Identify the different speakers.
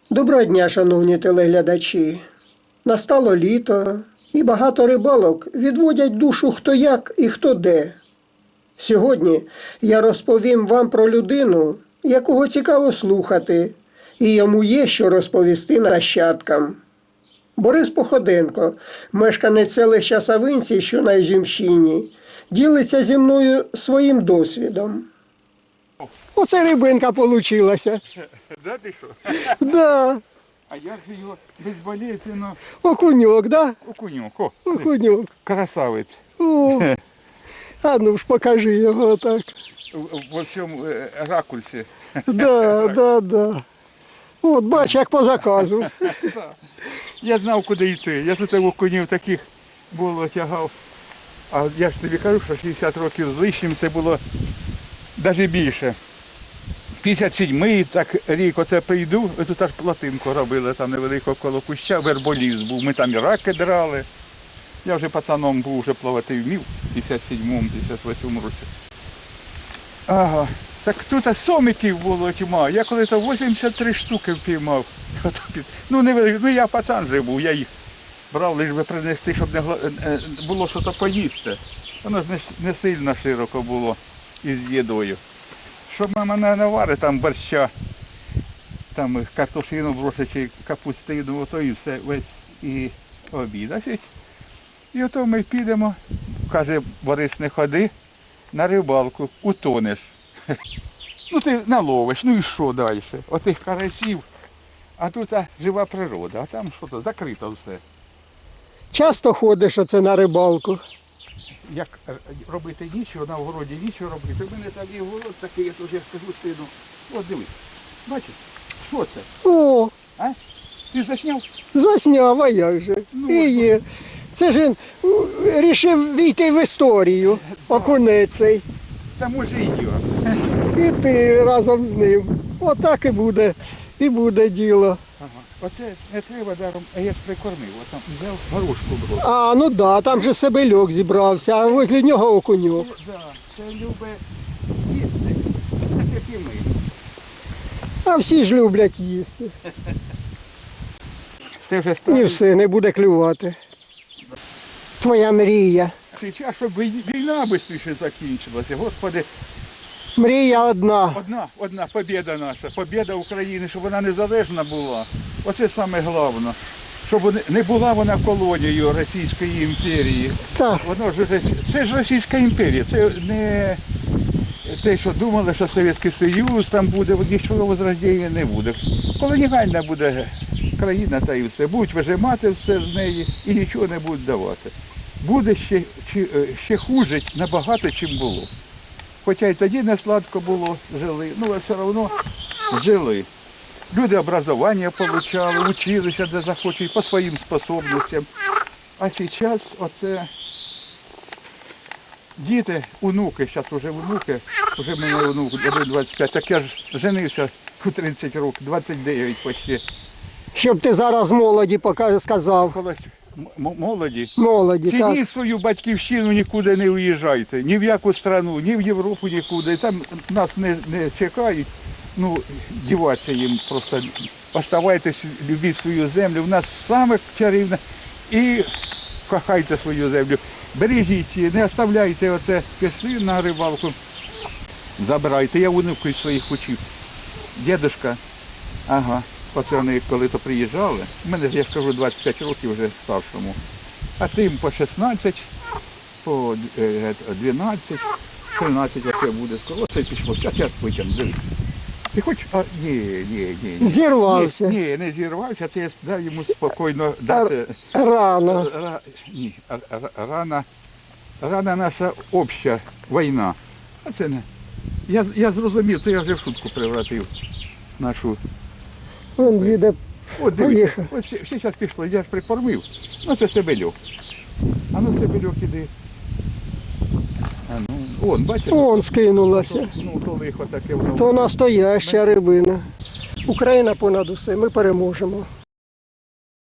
Speaker 1: Доброго дня, шановні телеглядачі. Настало літо, і багато рибалок відводять душу хто як і хто де. Сьогодні я розповім вам про людину, якого цікаво слухати, і йому є що розповісти нащадкам. Борис Походенко, мешканець селища Савинці, що на Ізюмщині, ділиться зі мною своїм досвідом. Оце рибинка получилася.
Speaker 2: Да, ти що?
Speaker 1: Да,
Speaker 2: А як же його безболезненно
Speaker 1: окуньок, да?
Speaker 2: окуньок. О,
Speaker 1: Окуньок.
Speaker 2: красавець.
Speaker 1: О, а ну ж покажи його отак.
Speaker 2: Во всьому ракурсі.
Speaker 1: Да. От бач, як по заказу.
Speaker 2: Я знав, куди йти. Я тут окунів таких було тягав. А я ж тобі кажу, що 60 років з лишнім це було навіть більше. 57-й так рік оце прийду, тут аж плотинку робили, там невелико коло куща, верболіз був. Ми там і раки драли. Я вже пацаном був, вже плавати вмів в 57-му, 58-му році. Ага. Так тут сомиків було тьма. Я коли-то 83 штуки впіймав. Ну, ну я пацан вже був, я їх брав, лише би принести, щоб було щось поїсти. Воно ж не сильно широко було із їдою. Щоб мама не наварить там борща, там картошину бросить чи капустину, ото і все, весь і обід. І ото ми підемо, каже, Борис, не ходи на рибалку, утонеш. Ну ти наловиш, ну і що далі? Отих карасів, а тут жива природа, а там що то, закрито все.
Speaker 1: Часто ходиш оце на рибалку?
Speaker 2: Як робити нічого, на огороді нічого робити. У мене там є город такий, я тут я скажу сину. От дивись, бачиш, що це?
Speaker 1: О,
Speaker 2: А? Ти засняв?
Speaker 1: засняв, а як же.
Speaker 2: Ну,
Speaker 1: І є. Це ж він рішив війти в історію, окунець цей.
Speaker 2: Та може і я.
Speaker 1: І ти разом з ним. Отак і буде діло.
Speaker 2: Ага. Оце не треба даром, а я ж прикормив, от там взяв горошку брав.
Speaker 1: А, ну да, там же себельок зібрався, а возле нього окуньок.
Speaker 2: Да, це любить їсти, так як і ми.
Speaker 1: А всі ж люблять їсти.
Speaker 2: Це вже
Speaker 1: І
Speaker 2: старий
Speaker 1: все, не буде клювати. Твоя мрія.
Speaker 2: час, щоб війна швидше закінчилася. Господи,
Speaker 1: Мрія одна.
Speaker 2: одна побєда наша, побєда України, щоб вона незалежна була. Оце саме головне. Щоб не була вона колонією Російської імперії.
Speaker 1: Так.
Speaker 2: Воно ж це ж Російська імперія, це не те, що думали, що Совєтський Союз там буде, нічого возрождення не буде. Колоніальна буде країна та і все. Будуть вижимати все з неї і нічого не будуть давати. Буде ще хуже набагато, чим було. Хоча й тоді не сладко було, жили, ну але все одно жили. Люди образування отримали, вчилися де захочуть, по своїм способностям. А зараз оце діти, онуки, зараз вже онуки, вже мене онук 25, так я ж женився у 30 років, 29 почти.
Speaker 1: Щоб ти зараз молоді сказав.
Speaker 2: Колись молоді.
Speaker 1: Молоді, так.
Speaker 2: Цініть свою батьківщину, нікуди не уїжджайте, ні в яку країну, ні в Європу, нікуди. Там нас не чекають, ну, діватися їм просто. Оставайтесь, любіть свою землю, в нас саме чарівне. І кохайте свою землю. Бережіть її, не оставляйте оце, пішли на рибалку, забирайте. Я внуків своїх учив. Дідушка, ага. Оце вони коли-то приїжджали, у мене, я ж кажу, 25 років вже старшому, а тим по 16, по 12, 13 оце буде. Оце пішло, зараз потім, дивись. Ти хочеш? А, ні.
Speaker 1: Зірвався.
Speaker 2: Ні, не зірвався, це я дав йому спокійно дати.
Speaker 1: Рано.
Speaker 2: Ні, рана наша обща війна. А це не. Я зрозумів, то я вже в шутку превратив нашу.
Speaker 1: Він їде.
Speaker 2: От дивіться, ось зараз пішло, я ж прикормив. Ну це себельок. А ну себельок іди. А ну, вон, бачите?
Speaker 1: Вон скинулася.
Speaker 2: Ну, то лихо таке воно.
Speaker 1: То настояща рибина. Україна понад усе, ми переможемо.